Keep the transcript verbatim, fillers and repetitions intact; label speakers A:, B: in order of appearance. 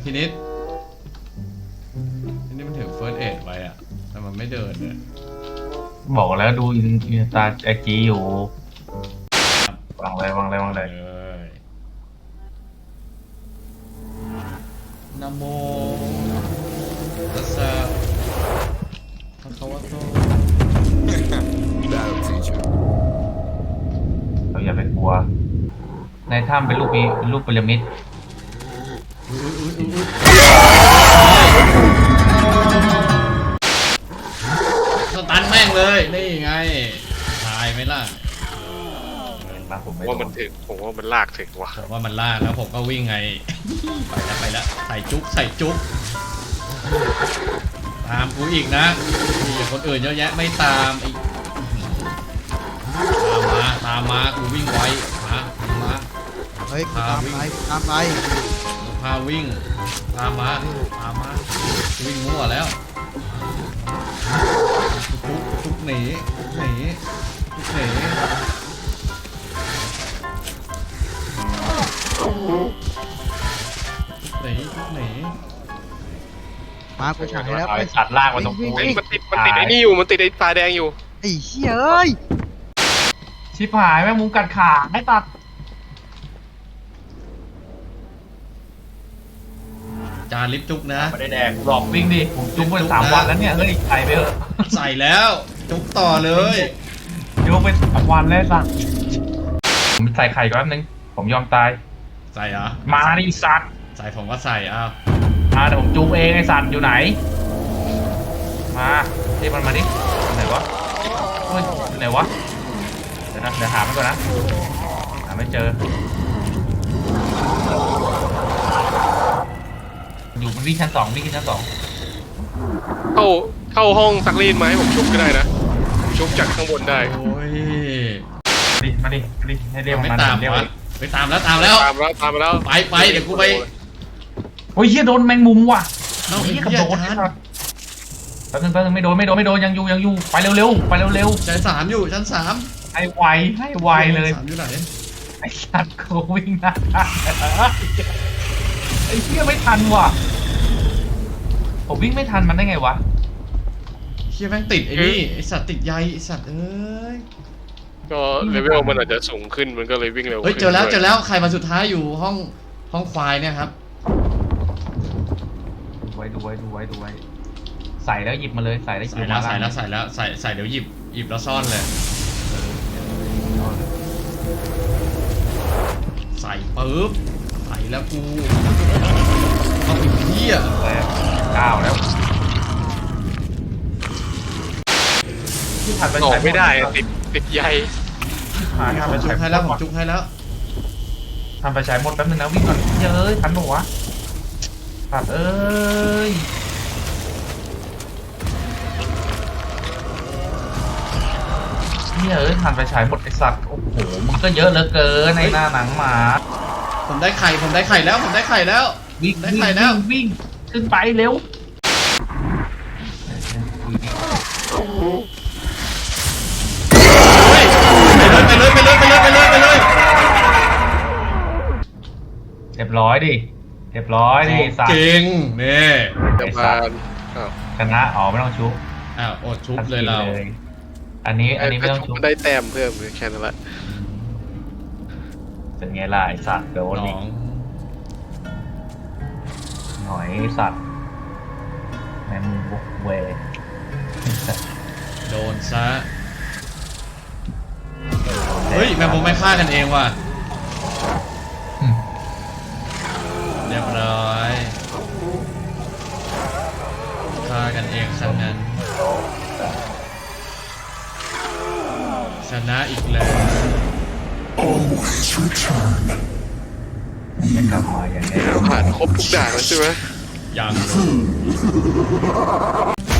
A: พินิษพินิษมันถือเฟิร์สเอดไว้อะแต่มันไม่เดินเลย
B: บอกแล้วดูอินอินสตาไอจีอยู่วางเลยวางเลยวางเลย
A: นะโมตัสสะภะคะวะโต
B: เราอย่าไปกลัวในถ้ำเป็นรูปมีเป็นรูปพีระมิด
A: สตันแม่งเลยนี่ไงตายไหมล่ะ
C: ผมว่ามันถึงผมว่ามันลากถึงว่ะ
A: ผมว่ามันลากแล้วผมก็วิ่งไงไปแล้วไปแล้วใส่จุ๊บใส่จุ๊บตามกูอีกนะมีคนอื่นเยอะแยะไม่ตามอีกตามมาตามมากูวิ่งไวมามา
D: เฮ้ยตามไปตามไป
A: พาวิ่งตามมาตามมาวิ่งมั่วแล้วทุกทุกหนีหนีทุกหนีหนีหนี
D: มากูฉายแล้ว
B: ไปตัดล่างมาตรงกู
C: มันติดมันติดไอ้นี่อยู่มันติดไอ้ตาแดงอยู่
D: ไอ้เหี้ยเอ้ย
B: ชิบหายแม่งมุมกัดขาให้ตัด
A: จานลิฟจุกนะ
B: ไม่ได้แดงหลอกวิ่งดิผมจุกไปสามวันแล้วเนี่ยเฮ้ยใส่ไปเถอะ
A: ใส่แล้วจุกต่อเลย
B: ยกไปสามวันแล้วสั่งผมใส่ไข่ก่อนนึงผมยอมตาย
A: ใส่เหรอ
B: มาดิสัตว์
A: ใส่ผมก็ใส่อ้าว
B: อ่าเดี๋ยวผมจุกเองไอ้สัตว์อยู่ไหนมาที่มันมาดิไหนวะเฮ้ยไหนวะเดี๋ยวนะเดี๋ยวหามันก่อนนะหาไม่เจออยู่มันวิ่งชั้นสองวิ่งชั้นสอง
C: เข้าเข้าห้องซักรีดไหมผมชุบก็ได้นะชุบจากข้างบนได้
A: โอ้ย
B: ดิมาดิมาดิให้เรียก
A: ไม่
B: มัน
A: ตาม
B: เรียก
A: ไปตามแล้วตามแล้ว
C: ตามแล้วตามแล้ว
A: ไปไปเดี๋ยวกูไป
B: โอ้ยเฮียโดนแมงมุมว่ะ
A: น้องเฮีย
B: กับโดนแป๊บนึงแป๊บนึงไม่โดนไม่โดนไม่โดนยังอยู่ยังอยู่ไปเร็วๆไปเร็ว
A: ๆชั้นสามอยู่ชั้นสาม
B: ให้ไวให้ไวเลย
A: สามอยู่ไหน
B: ไอ้สัตว์โควิ่งนะไอ้เฮียไม่ทันว่ะผมวิ่งไม่ทันมันได้ไงวะ
A: เฮียแม่งติดไอ้นี่ไอ้สัตว์ติดใยไอ้สัตว์เอ้ย
C: ก็เลเวลมันอาจจะสูงขึ้นมันก็เลยวิ่งเร็ว
A: เฮ้ยเจอแล้วเจอแล้วใครมาสุดท้ายอยู่ห้องห้องควายเนี่ยครับ
B: ดูไว้ดูไว้ดูไว้ดูไว้ใส่แล้วหยิบมาเลยใส่แล้วหยิบมา
A: ใส่แล้วใส่แล้วใส่ใส่เดี๋ยวหยิบหยิบแล้วซ่อนเลยใส่ปุ๊บใส่แล้วกูเอาไปเที่ย
B: ก้าวแล้ว
C: ที่ผ่านไปใช้ไม่ได้ติดติดใย
A: ผมจุกให้แล้วผมจุกให้แล้ว
B: ทำไปใช้หมดแป๊บนึงนะวิ่งก่อนเยอะทันหนูวะตัดเอ้ยเนี่ยเอ้ยทันไปใช้หมดไอสัตว์โอ้โหมันก็เยอะเหลือเกินในหน้าหนังหมา
A: ผมได้ไข่ผมได้ไข่แล้วผมได้ไข่แล้ว
B: วิ่ง
A: ได้ไข่แล้ว
B: วิ่งขึ้นไปเร็ว
A: ไปเลยไปเลยไปเลยไปเลยไปเลย
B: เรียบร้อยดิเรียบร้อยดิสัตว์
A: เก่งนี่
C: จะมา
B: ชนะอ๋อไม่ต้องชุบ
A: อ้าวอดชุบเลยเรา
B: อันนี้อันนี้ไม่ต้องชุบ
C: ได้แต้มเพิ่มแค่นั้นแหละ
B: เป็นไงล่ะไอสัตว์โดนอีกหน่อยสัตว์แมงมุมบุกเว
A: โดนซะเฮ้ยแมงมุมไม่ฆ่ากันเองว่ะเรียบร้อยฆ่ากันเองซะงั้นชนะอีกแล้ว
B: กลับมาอย่างไง
C: ผ่านครบทุกด่านแล้วใช่ไหม
A: ยัง